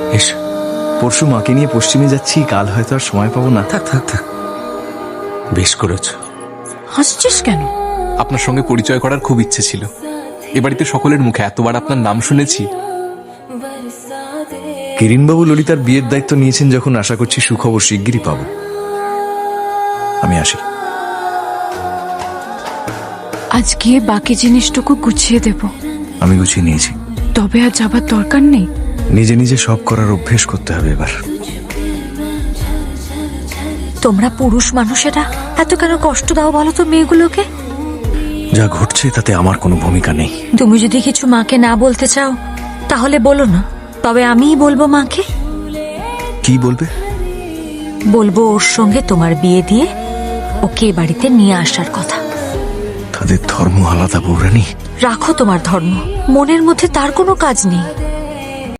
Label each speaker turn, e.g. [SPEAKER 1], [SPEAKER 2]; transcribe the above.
[SPEAKER 1] S, পরশু মাকে নিয়ে পশ্চিমে যাচ্ছি, কাল হয়তো আর সময় পাবো না।
[SPEAKER 2] থাক থাক থাক, বেশ করেছ।
[SPEAKER 3] হাসছিস কেন?
[SPEAKER 2] আপনার সঙ্গে পরিচয় করার খুব ইচ্ছে ছিল। এ বাড়িতে সকলের মুখে এতবার আপনার নাম শুনেছি।
[SPEAKER 1] কিরিনবাবু ললিতার বিয়ের দায়িত্ব নিয়েছেন যখন, আশা করছি সুখবর শিগগিরই পাবো। আমি আসি।
[SPEAKER 3] আজ গিয়ে বাকি জিনিসটুকু গুছিয়ে দেব।
[SPEAKER 1] আমি গুছিয়ে নিয়েছি।
[SPEAKER 3] তবে আর যাবার দরকার নেই।
[SPEAKER 1] নিজে নিজে সব করার অভ্যেস করতে হবে এবার।
[SPEAKER 4] তোমরা পুরুষ মানুষেরা এত কেন কষ্ট দাও বলো তো মেয়েগুলোকে?
[SPEAKER 1] যা ঘটছে তাতে আমার কোনো ভূমিকা নেই।
[SPEAKER 4] তুমি যদি কিছু মাকে না বলতে চাও তাহলে বলো না, তবে আমিই বলবো মাকে।
[SPEAKER 1] কি বলবে?
[SPEAKER 4] বলবো ওর সঙ্গে তোমার বিয়ে দিয়ে ওকে এ বাড়িতে নিয়ে আসার কথা।
[SPEAKER 1] তাদের ধর্ম আলাদা বৌরানী।
[SPEAKER 4] রাখো তোমার ধর্ম, মনের মধ্যে তার কোনো কাজ নেই।